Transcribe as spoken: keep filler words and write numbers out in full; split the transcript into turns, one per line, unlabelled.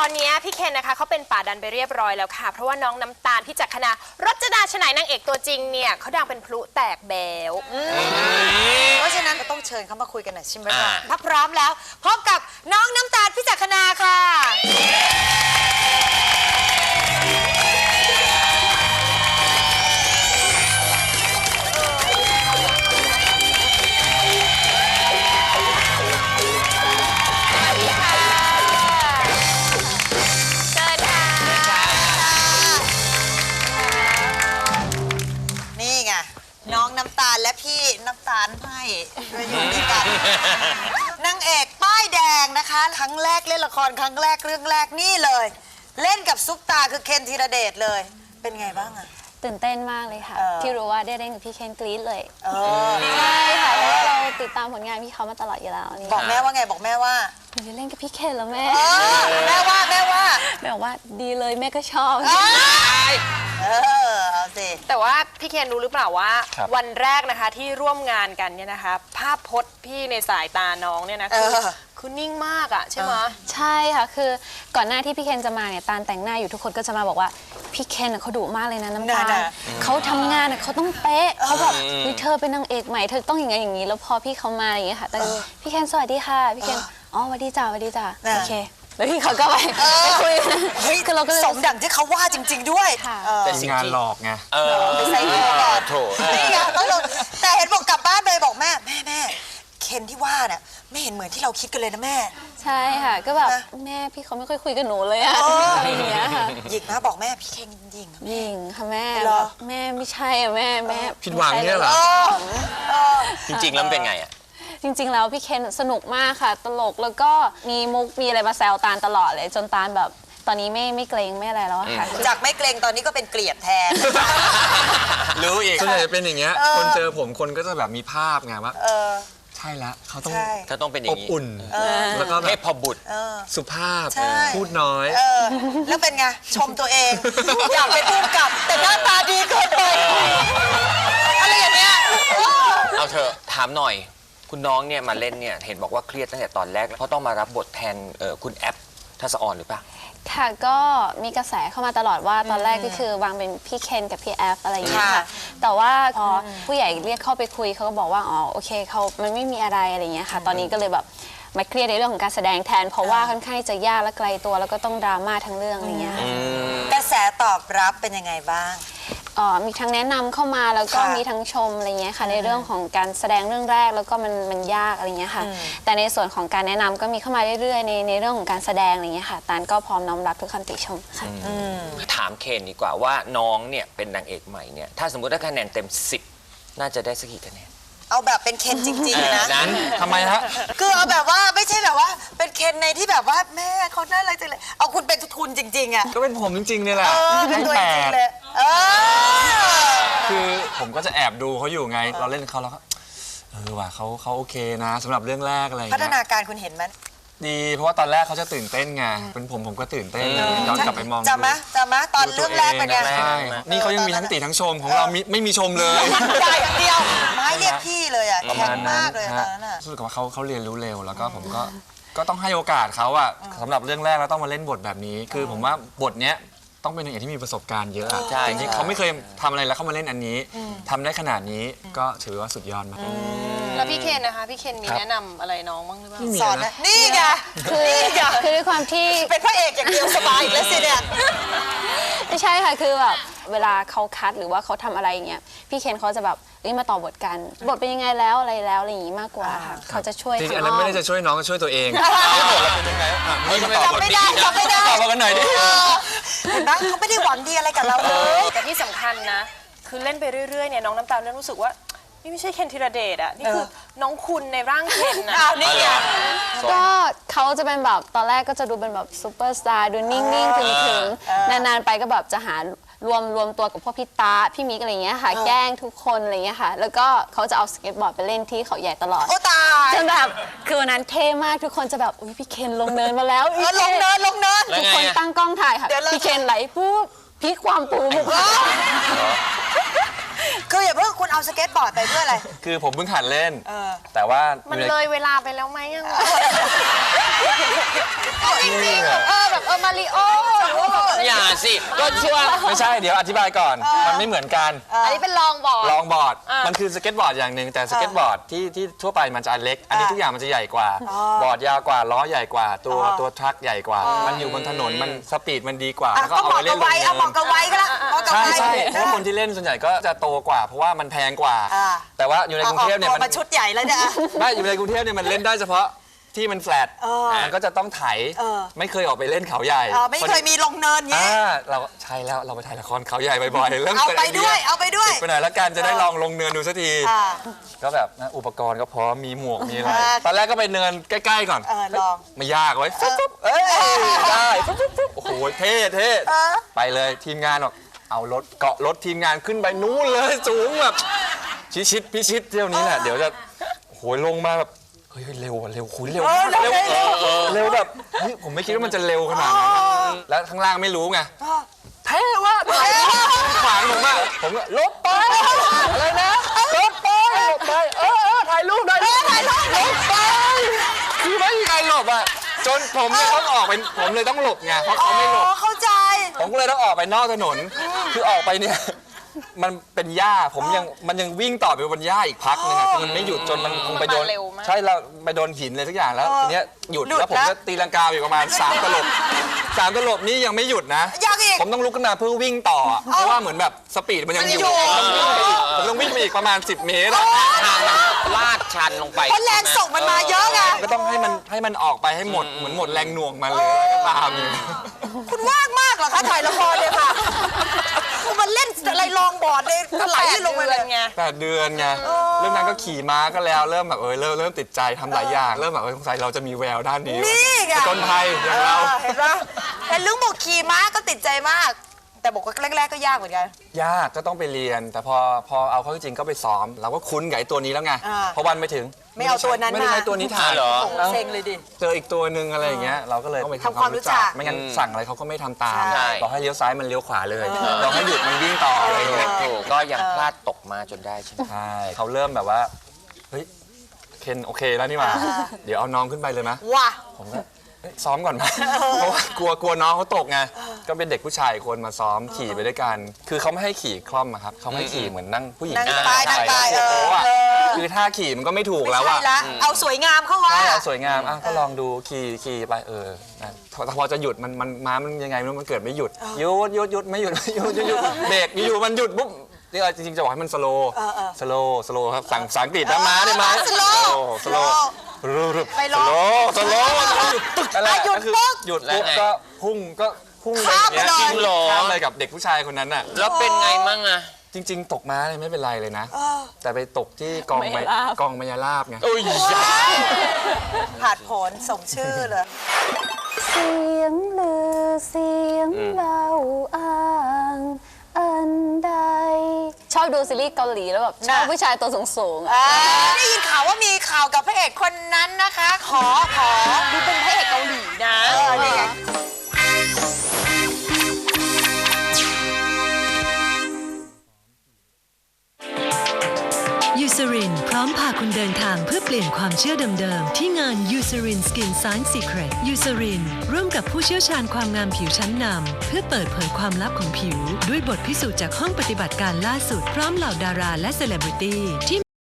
อนนี้พี่เคนนะคะเขาเป็นป่าดันไปเรียบร้อยแล้วค่ะเพราะว่าน้องน้ำตาลพี่จักรคณารจนาชนัยนางเอกตัวจริงเนี่ยเขาดังเป็นพลุแตกแบว
เพราะฉะนั้นก็ต้องเชิญเขามาคุยกันหน่อยใช่ไหมคะถ้าพร้อมแล้วพบกับน้องน้ำตาลพี่จักรคณาค่ะน้องน้ำตาลและพี่น้ำตาลให้มาอยู่ด้วยกันนางเอกป้ายแดงนะคะครั้งแรกเล่นละครครั้งแรกเรื่องแรกนี่เลย เล่นกับซุปตาคือเคนธีรเดชเลยเป็นไงบ้างอะ
ตื่นเต้นมากเลยค่ะที่รู้ว่าได้เล่นกับพี่เคนกรี๊ดเลย
ใช่
ค่ะเพราะว่าเราติดตามผลงานพี่เขามาตลอดอยู่แล้วนี่
บอกแม่ว่าไงบอกแม่ว่า
หนูจะเล่นกับพี่เคนแล้วแม่
แม่ว่าแม่ว่า
แม่บอกว่าดีเลยแม่ก็ชอบ
เออเอาสิ
แต่ว่าพี่เคนรู้หรือเปล่าว่าวันแรกนะคะที่ร่วมงานกันเนี่ยนะคะภาพพจน์พี่ในสายตาน้องเนี่ยนะคือคือนิ่งมากอะใช่ไหม
ใช่ค่ะคือก่อนหน้าที่พี่เคนจะมาเนี่ยตาลแต่งหน้าอยู่ทุกคนก็จะมาบอกว่าพี่เคนเขาดุมากเลยนะน้ำตาลเขาทำงานเขาต้องเป๊ะเขาแบบเธอเป็นนางเอกใหม่เธอต้องอย่างนี้อย่างนี้แล้วพอพี่เขามาอย่างเงี้ยค่ะแต่พี่เคนสวัสดีค่ะพี่เคนอ๋อสวัสดีจ้าสวัสดีจ้าโอเคแล้วพี่เขาก็ไปไปคุย
คือเราก็สมดังที่เขาว่าจริงๆด้วย
แต่สิ่งงานหลอกไง
ใส่หัวก่อนนี่ไงแต่เห็นบอกกลับบ้านไปบอกแม่แม่แม่เคนที่ว่าเนี่ยไม่เห็นเหมือนที่เราคิดกันเลยนะแม่
ใช่ค่ะก็แบบแม่พี่เขาไม่ค่อยคุยกับหนูเลยอะอะไรอย่างเงี้ยค่ะ
หยิกนะบอกแม่พี่เคนยิง
ยิงค่ะแม่แม่ไม่ใช่อะแม่แม่
ผิดหวังเนี่ยเหรอ
จริงๆแล้วเป็นไงอะ
จริงๆแล้วพี่เคนสนุกมากค่ะตลกแล้วก็มีมุกมีอะไรมาแซวตาลตลอดเลยจนตาลแบบตอนนี้ไม่ไม่เกรงไม่อะไรแล้วค่ะ
จากไม่เกรงตอนนี้ก็เป็นเกลียดแทน
รู้อีกส่วนใหญ่จะเป็นอย่างเงี้ยคนเจอผมคนก็จะแบบมีภาพไงว่าใช่ละเขาต้อง
เขาต้องเป็นอย่าง
นี้อบอุ่นแล้วก็
เทพบุตร
สุภาพพูดน้อย
แล้วเป็นไงชมตัวเองอยากเป็นผู้กำกับแต่หน้าตาดีเกินไปอะไรอย่างเงี้ย
เอาเถอะถามหน่อยคุณน้องเนี่ยมาเล่นเนี่ยเห็นบอกว่าเครียดตั้งแต่ตอนแรกแล้วเขาต้องมารับบทแทนคุณแอปทัศอรหรือเปล่า
ค่ะก็มีกระแสเข้ามาตลอดว่าตอนแรกก็คือวางเป็นพี่เคนกับพี่แอฟอะไรอย่างเงี้ยค่ะแต่ว่าพอผู้ใหญ่เรียกเข้าไปคุยเขาก็บอกว่าอ๋อโอเคเขามันไม่มีอะไรอะไรอย่างเงี้ยค่ะตอนนี้ก็เลยแบบมาเครียดในเรื่องของการแสดงแทนเพราะว่าค่อนข้างจะยากและไกลตัวแล้วก็ต้องดราม่าทั้งเรื่องอะไรเงี้ย
กระแสตอบรับเป็นยังไงบ้าง
อ๋อมีทั้งแนะนำเข้ามาแล้วก็มีทั้งชมอะไรเงี้ยค่ะในเรื่องของการแสดงเรื่องแรกแล้วก็มันมันยากอะไรเงี้ยค่ะแต่ในส่วนของการแนะนำก็มีเข้ามาเรื่อยๆในในเรื่องของการแสดงอะไรเงี้ยค่ะตาลก็พร้อมน้อมรับทุกคำติชมค่ะ
ถามเคนดีกว่าว่าน้องเนี่ยเป็นนางเอกใหม่เนี่ยถ้าสมมติได้คะแนนเต็มสิบน่าจะได้สักกี่คะแนน
เอาแบบเป็นเคนจริงๆนะ
นั้น
ทำไมฮะ
คือเอาแบบว่าไม่ใช่แบบว่าเป็นเคนในที่แบบว่าแม่เขาน่ารักจังเลยเอาคุณเป็นทุนจริงๆอ่ะ
ก็เป็นผมจริงๆเนี่ยแหละ
เป็นตัวจริงเลย
คือผมก็จะแอบดูเขาอยู่ไงเราเล่นเขาแล้วก็เออว่ะเขาเขาโอเคนะสำหรับเรื่องแรกอะไร
พัฒนาการคุณเห็นไหม
ดีเพราะว่าตอนแรกเขาจะตื่นเต้นไงเป็นผมผมก็ตื่นเต้นย้อนกลับไปมอง
จำไหมจำไหมตอนเรื่องแรกเป็นไง
นี่เขายังมีทั้งติทั้งชมของเราไม่มีชมเลย
ได้อย่างเดียวไม้เรียกพี่เลยอ่ะแข็งมากเลยตอนนั้น
รู้สึกว่าเขาเขาเรียนรู้เร็วแล้วก็ผมก็ก็ต้องให้โอกาสเขาอะสำหรับเรื่องแรกแล้วต้องมาเล่นบทแบบนี้คือผมว่าบทเนี้ยต้องเป็นนางเอกที่มีประสบการณ์เยอะจริงๆเขาไม่เคยทำอะไรแล้วเขามาเล่นอันนี้ทำได้ขนาดนี้ก็ถือว่าสุดยอดมาก
แล้วพี่เคนนะคะพี่เคนมีแนะนำอะไรน้องบ้างหรือเปล่า
สอนนี่ไง
คือคือด้วยความที่
เป็นพระเอกอย่างเดียวสบายแล้วสิเนี่ย
ไม่ใช่ค่ะคือแบบเวลาเขาคัดหรือว่าเขาทำอะไรอย่างเงี้ยพี่เคนเขาจะแบบมาต่อบทกันบทเป็นยังไงแล้วอะไรแล้วอะไรอย่างงี้มากกว่าค่ะเขาจะช่วย
จริงๆอันนั้นไม่ได้จะช่วยน้องก็ช่วยตัวเองบทเราเป็นยังไง
ไม่มาตอบบทไม่ได้ตอบไม่ได้
ตอบมากันหน่อยดิ
เห็นไหมเขาไม่ได้หวังดีอะไรกับเราเลย
แต่ที่สำคัญนะคือเล่นไปเรื่อยๆเนี่ยน้องน้ำตาลเริ่มรู้สึกว่านี่ไม่ใช่เคนธีรเดชอ่ะนี่คือน้องคุณในร่างเคนนะ
นี่ไง
ก็เขาจะเป็นแบบตอนแรกก็จะดูเป็นแบบซูเปอร์สตาร์ดูนิ่งๆถึงๆนานๆไปก็แบบจะหารวมรวมตัวกับพวกพี่ตาพี่มิกอะไรเงี้ยค่ะแกล้งทุกคนอะไรเงี้ยค่ะแล้วก็เขาจะเอาสเก็ตบอร์ดไปเล่นที่เขาใหญ่ตลอด
โอ้ตาย
จนแบบคือวันนั้นเท่มากทุกคนจะแบบอุ้ยพี่เคนลงเนินมาแล้ว
ลงเนินลงเนิน
ทุกคนตั้งกล้องถ่ายค่ะพี่เคนไหลปุ๊บพลิกความปูบุก
คืออย่าเพิ่งคุณเอาสเก็ตบอร์ดไปเพื่ออะไร
คือผมเพิ่งหัดเล่นแต่ว่า
มันเลยเวลาไปแล้วไหมยัง
จริงๆเออแบบเอ
อมาริโอหรือว่าแบบอะไร
อย่าสิก็ช่วง
ไม่ใช่เดี๋ยวอธิบายก่อน มันไม่เหมือนกัน
อันนี้เป็นลองบอร์ด
ลองบอร์ด
อ่ะ
มันคือสเก็ตบอร์ดอย่างหนึ่งแต่สเก็ตบอร์ดที่ที่ทั่วไปมันจะอันเล็ก อันนี้ทุกอย่างมันจะใหญ่กว่า บอร์ดยาวกว่าล้อใหญ่กว่า ตัวตัวทรัคใหญ่กว่า มันอยู่บนถนนมันสปีดมันดีกว่า
อ่ะ
แล้วก็
ก็
เอา
เห
ไป
มาะ
เล่
กับ
นล
วั
ง
ยเอาเห
เนิ
มาะ
น
กับวัยก็ละเหมาะกับ
ใช่
วัย
ใช่เพราะคนที่เล่นส่วนใหญ่ก็จะโตกว่า เพราะว่ามันแพงกว่า
อ่า
แต่ว่าอยู่ในกรุงเทพเนี่ย
อา
มัน
มาชุดใหญ่แล้วเนี่ย
ไม่อยู่ในกรุงเทพเนี่ยมันเล่นได้เฉพาะที่มันแฟลต
เออ
มันก็จะต้องไถ
เออ
ไม่เคยออกไปเล่นเขาใหญ่
เออไม่เคยมีลงเนินเงี้ย
อ่าเราใช่แล้วเราไปถ่ายละครเขาใหญ่บ่อยๆเริ่ม
เอา
กิ
ไป
ไดี
ด้วยเอาไปด้วย
ติดไปหน่อยแล้วกันจะได้ลองลงเนินดูสักที
อ่า
ก็แบบนะอุปกรณ์ก็พร้อมมีหมวกมีอะไร
อ่า
ตอนแรกก็ไปเนินใกล้ๆก่อน
เออลอง
ไม่ยากไว้ยฟึ๊บฟึ๊บเอ้ยได้ฟึ๊บฟึ๊บฟึ๊บโอ้โหเท่เท่ไปเลยทีมงานบอกเอารถเกาะรถทีมงานขึ้นไปนู้นเลยสูงแบบชิชิดพิชิตเที่ยวนี้แหละเดี๋ยวจะโอ้โหลงมาแบบเฮ้ยเร็วอะเร็วคุยเร็ว
เออ
เร็ว
เร็ว
เร็วแบบเฮ้ยผมไม่คิดว่ามันจะเร็วขนาดนั้นแล้วข้างล่างไม่รู้ไงเท่ว่ะถ่ายรูปขวางผมอะผมก็ลบไปอะไรนะลบไปลบไปเออเออถ่ายรูปได้ถ่ายรูปลบไปคือไม่มีใครหลบอะจนผมเนี่ยต้องออกไปผมเลยต้องหลบไงเพราะเขาไม่หลบ
อ๋อเข้าใจ
ผมก็เลยต้องออกไปนอกถนน คือออกไปเนี่ยมันเป็นหญ้าผมยังมันยังวิ่งต่อไปบนหญ้าอีกพักนึงอะคือมันไม่หยุดจนมันคงไปโดน
มันมาเร็วมาก
ใช่เราไปโดนหินเลยทุกอย่างแล้ว
เออ
ทีเนี้ยหยุด
หยุด
แล้วผม
แล้ว
จะตีลังกาอยู่ประมาณสามตลบสามตลบนี้ยังไม่หยุดนะ
ยังอีก
ผมต้องลุกขึ้นมาเพื่อวิ่งต่ออะเพราะว่าเหมือนแบบสปีดมันยังอยู่
มันอยู่
ผมต้องวิ่งไปอีกผมต้องวิ่งไปอีกประมาณสิบเมตรอะ
ทางมันลาดชันลงไป
เพราะแรงส่งมันมาเยอะไง
ก็ต้องให้มันให้มันออกไปให้หมดเหมือนหมดแรงหน่วงมาเลยแล้วก็ตามอยู่
คุณว่างมากเหรอคะถ่ายละครเนี่ยค่ะคุณมันเล่นอะไรลองบอร์ดเลยถลายลงไปเลย
ไง
แปดเดือนไงเรื่องนั้นก็ขี่ม้าก็แล้วเริ่มแบบเออเริ่มเริ่มติดใจทำหลายอย่างเริ่มแบบเออสงสัยเราจะมีแววด้านนี้
นี่ไง
จนภัยอย่างเรา
ออเห็นปะเห็นลุงบอกขี่ม้าก็ติดใจมาก แต่บอกว่าแรกๆก็ยากเหมือนกัน
ยากก็ต้องไปเรียน แต่พอพอเอาเข้าจริงก็ไปซ้อม เราก็คุ้นกับไอ้ตัวนี้แล้วไง
อ่า
พอวันไปถึง
ไม่เอาตัวนั้น
ไม่ได้
มา
ใช้ตัวนี้ถ่าย
เหรอ
เอ้า
เซ็งเลยดิ
เจออีกตัวหนึ่งอะไรอย่างเงี้ยเราก็เลยต้องไป
ทำความรู้จัก
ไม่งั้นสั่งอะไรเขาก็ไม่ทำตาม
ใช่
บอกให้เลี้ยวซ้ายมันเลี้ยวขวาเลยบอกให้หยุดมันวิ่งต่ออะไรอย่างเงี้ย
ถูกก็ยังพลาดตกมาจนได้ใช่ไหม
ใช่เขาเริ่มแบบว่าเฮ้ยเคนโอเคแล้วนี่หว่าเดี๋ยวเอาน้องขึ้นไปเลยนะ
ว่ะ
ผมก็เอ้ยซ้อมก่อนไหมเพราะว่ากลัวกลัวน้องเขาตกไงก็เป็นเด็กผู้ชายอีกคนมาซ้อมขี่ไปด้วยกัน คือเขาไม่ให้ขี่คล่อมอะครับเขาให้ขี่เหมือนนั่งผู้หญิง
นั่ง
ที่
ไปนั่งไป
โอ้โหอะ
เออ
คือท่าขี่มันก็ไม่ถูก
ไม่
แล้ว
ใช่
อะ
ละเอาสวยงามเข้าว่า
ใช่เอาสวยงามอ่ะก็ลองดูขี่ขี่ไปเออนะแต่พอจะหยุดมันมันม้ามันยังไงไม่รู้มันเกิดไม่หยุดหยุดหยุดหยุดไม่หยุดหยุดหยุดหยุดเบรกอยู่ๆมันหยุดปุ๊บนี่จริงๆจะบอกให้มันสโลว์สโลว์สโลว์ครับสั่งภาษาอังกฤษนะม้าได้ไหม
สโลว์
สโลว์
ไปล
ส
อง
โลว์สโลว์หยุดปึ๊กอะไร
อ่ะหยุด
ก็คือ
ปุ๊บ
หยุดปุ๊บก็พุ่งก็พุ่งไป
ข้าม
อย่าง
ไป
เงี้ย
เลย
จริงเหรอ
ข้ามเลยกับเด็กผู้ชายคนนั้นน่ะ
แล้วเป็นไงมั่งอะ
จริง ๆ ตกม้าเนี่ยไม่เป็นไรเลยนะ แต่ไปตกที่กอง
มายา
ไม้
ลาบ
กองมายาลาบไง
โอ้ย
ผ่านผลสมชื่อเลย
เสียงลือเสียงเบาอ้างอันใด ชอบดูซีรีส์เกาหลีแล้วแบบชอบ
น่ะ
ผู้ชายตัวสูงๆอะ
อ่าได้ยินข่าวว่ามีข่าวกับพระเอกคนนั้นนะคะ ขอขอ
ดูเป็นพระเอกเกาหลีนะ
เออนี่ไง
ยูซ รินพร้อมพาคุณเดินทางเพื่อเปลี่ยนความเชื่อเดิมๆที่งาน ยูซ ริน Skin Science Secret ยูซ รินร่วมกับผู้เชี่ยวชาญความงามผิวชั้นนำเพื่อเปิดเผยความลับของผิว ด้วยบทพิสูจน์จากห้องปฏิบัติการล่าสุดพร้อมเหล่าดาราและเซเลบริตี้ที่